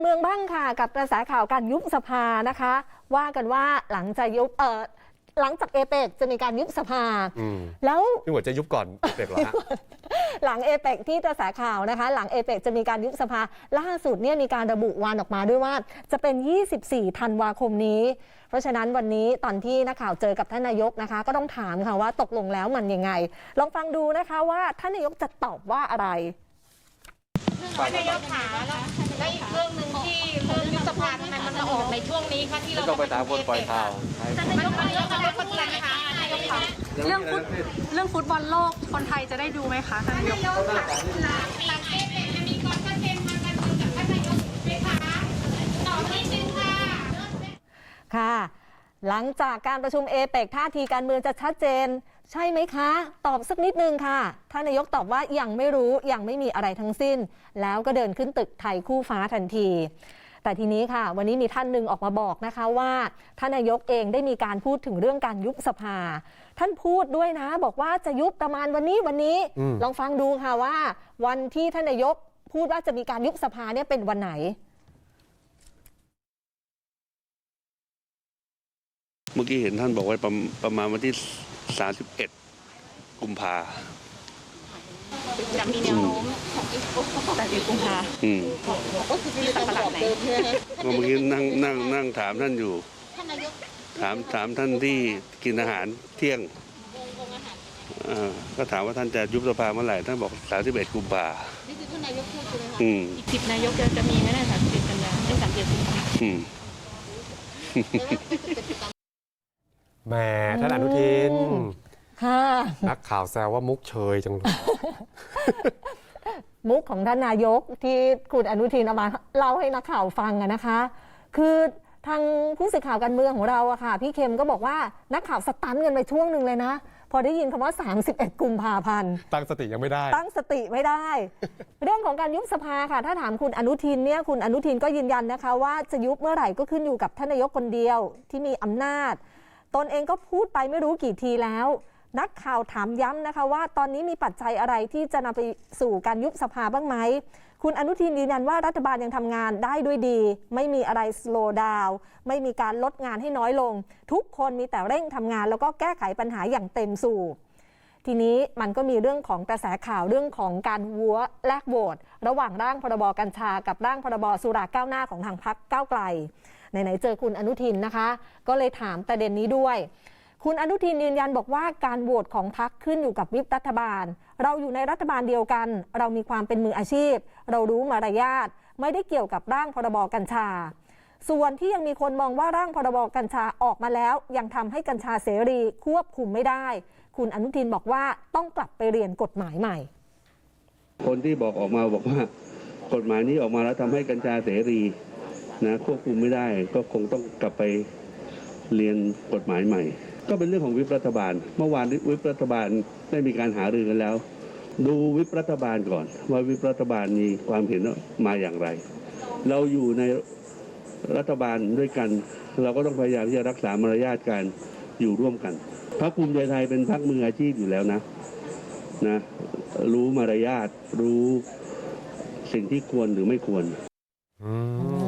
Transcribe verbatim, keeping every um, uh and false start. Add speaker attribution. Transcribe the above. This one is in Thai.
Speaker 1: เมืองบ้างค่ะกับกระแสข่าวการยุบสภานะคะว่ากันว่าหลังจากยุบเออหลังจากเอเปกจะมีการยุบสภาแล้ว
Speaker 2: พี่หมวดจะยุบก่อนเอเปกเหรอฮะ
Speaker 1: หลังเอเปกที่กระแสข่าวนะคะหลังเอเปกจะมีการยุบสภาล่าสุดเนี่ยมีการระบุวันออกมาด้วยว่าจะเป็นยี่สิบสี่ธันวาคมนี้เพราะฉะนั้นวันนี้ตอนที่นักข่าวเจอกับท่านนายกนะคะก็ต้องถามค่ะว่าตกลงแล้วมันยังไงลองฟังดูนะคะว่าท่านนายกจะตอบว่าอะไร
Speaker 3: ท่านนายกขาแล้วอีกเรื่องหนึ่งที่เรื่องยุบสภาทำไมมันมาออกในช่วงนี้คะที่เรา
Speaker 4: ก็ไปตามคนปล่อยข่าว
Speaker 3: ท่านนายกนายกนายกคนไหนคะนายกคะ
Speaker 5: เรื่องฟุตเรื่องฟุตบอลโลกคนไทยจะได้ดูไหมคะท่านนายก
Speaker 3: หลังเอเปกจะมีความชัดเจนทางการเมืองกับท่านนายกไหมคะตอบนิดนึงค่ะ
Speaker 1: ค่ะหลังจากการประชุมเอเปกท่าทีการเมืองจะชัดเจนใช่ไหมคะตอบสักนิดนึงค่ะท่านนายกตอบว่ายังไม่รู้ยังไม่มีอะไรทั้งสิ้นแล้วก็เดินขึ้นตึกไทยคู่ฟ้าทันทีแต่ทีนี้ค่ะวันนี้มีท่านหนึ่งออกมาบอกนะคะว่าท่านนายกเองได้มีการพูดถึงเรื่องการยุบสภาท่านพูดด้วยนะบอกว่าจะยุบประมาณวันนี้วันนี้ลองฟังดูค่ะว่าวันที่ท่านนายกพูดว่าจะมีการยุบสภาเนี่ยเป็นวันไหน
Speaker 4: เมื่อกี้เห็นท่านบอกว่าประประมาณวันที่สามสิบเอ็ดกุมภา
Speaker 3: จะมีแนวโน้ม
Speaker 5: แต่ที่กุมภา
Speaker 4: อืม
Speaker 3: ก็คือที่สัปดาห์ไหน
Speaker 4: เมื่อกี้นั่งนั่งนั่งถามท่านอยู่ถามถามท่านที่กินอาหารเที่ยงอ่าก็ถามว่าท่านจะยุบสภาเมื่อไหร่ท่านบอกสามสิบเอ็ดกุมภา
Speaker 3: นี่คือท่านนายกพูดใช่ไหมคะ
Speaker 4: อืม
Speaker 5: อีกสิบนายกจะจะมีไหมนะสามสิบเอ็ดกันยาไม่สามสิบเอ็ดกุมภา
Speaker 4: อืม
Speaker 2: แหมท่านอนุทิน
Speaker 1: ค่ะ
Speaker 2: นักข่าวแซวว่ามุกเชยจังเลย
Speaker 1: มุกของท่านนายกที่คุณอนุทินเอามาเล่าให้นักข่าวฟังอะนะคะคือทางผู้สื่อข่าวการเมืองของเราอะค่ะพี่เข็มก็บอกว่านักข่าวสตันกันไปช่วงหนึ่งเลยนะพอได้ยินคำว่าสามสิบเอ็ดกุมภาพันธ์
Speaker 2: ตั้งสติยังไม่ได้
Speaker 1: ตั้งสติไม่ได้ เรื่องของการยุบสภาค่ะถ้าถามคุณอนุทินเนี่ยคุณอนุทินก็ยืนยันนะคะว่าจะยุบเมื่อไหร่ก็ขึ้นอยู่กับท่านนายกคนเดียวที่มีอำนาจตนเองก็พูดไปไม่รู้กี่ทีแล้วนักข่าวถามย้ำนะคะว่าตอนนี้มีปัจจัยอะไรที่จะนำไปสู่การยุบสภาบ้างไหมคุณอนุทินยืนยันว่ารัฐบาลยังทำงานได้ด้วยดีไม่มีอะไรสโลว์ดาวน์ไม่มีการลดงานให้น้อยลงทุกคนมีแต่เร่งทำงานแล้วก็แก้ไขปัญหาอย่างเต็มสูบทีนี้มันก็มีเรื่องของกระแสข่าวเรื่องของการวัวแลกโหวตระหว่างร่างพรบกัญชากับร่างพรบสุราก้าวหน้าของทางพรรคก้าวไกลไหนๆเจอคุณอนุทินนะคะก็เลยถามประเด็นนี้ด้วยคุณอนุทินยืนยันบอกว่าการโหวตของพรรคขึ้นอยู่กับวิปรัฐบาลเราอยู่ในรัฐบาลเดียวกันเรามีความเป็นมืออาชีพเรารู้มารยาทไม่ได้เกี่ยวกับร่างพรบกัญชาส่วนที่ยังมีคนมองว่าร่างพรบกัญชาออกมาแล้วยังทำให้กัญชาเสรีควบคุมไม่ได้คุณอนุทินบอกว่าต้องกลับไปเรียนกฎหมายใหม่
Speaker 4: คนที่บอกออกมาบอกว่ากฎหมายนี้ออกมาแล้วทำให้กัญชาเสรีนะควบคุมไม่ได้ก็คงต้องกลับไปเรียนกฎหมายใหม่ก็เป็นเรื่องของวิปรัฐบาลเมื่อวานวิปรัฐบาลได้มีการหารือกันแล้วดูวิปรัฐบาลก่อนว่าวิปรัฐบาลมีความเห็นมาอย่างไรเราอยู่ในรัฐบาลด้วยกันเราก็ต้องพยายามที่จะรักษามารยาทการอยู่ร่วมกันพรรคภูมิใจไทยเป็นพรรคมืออาชีพอยู่แล้วนะนะรู้มารยาทรู้สิ่งที่ควรหรือไม่ควร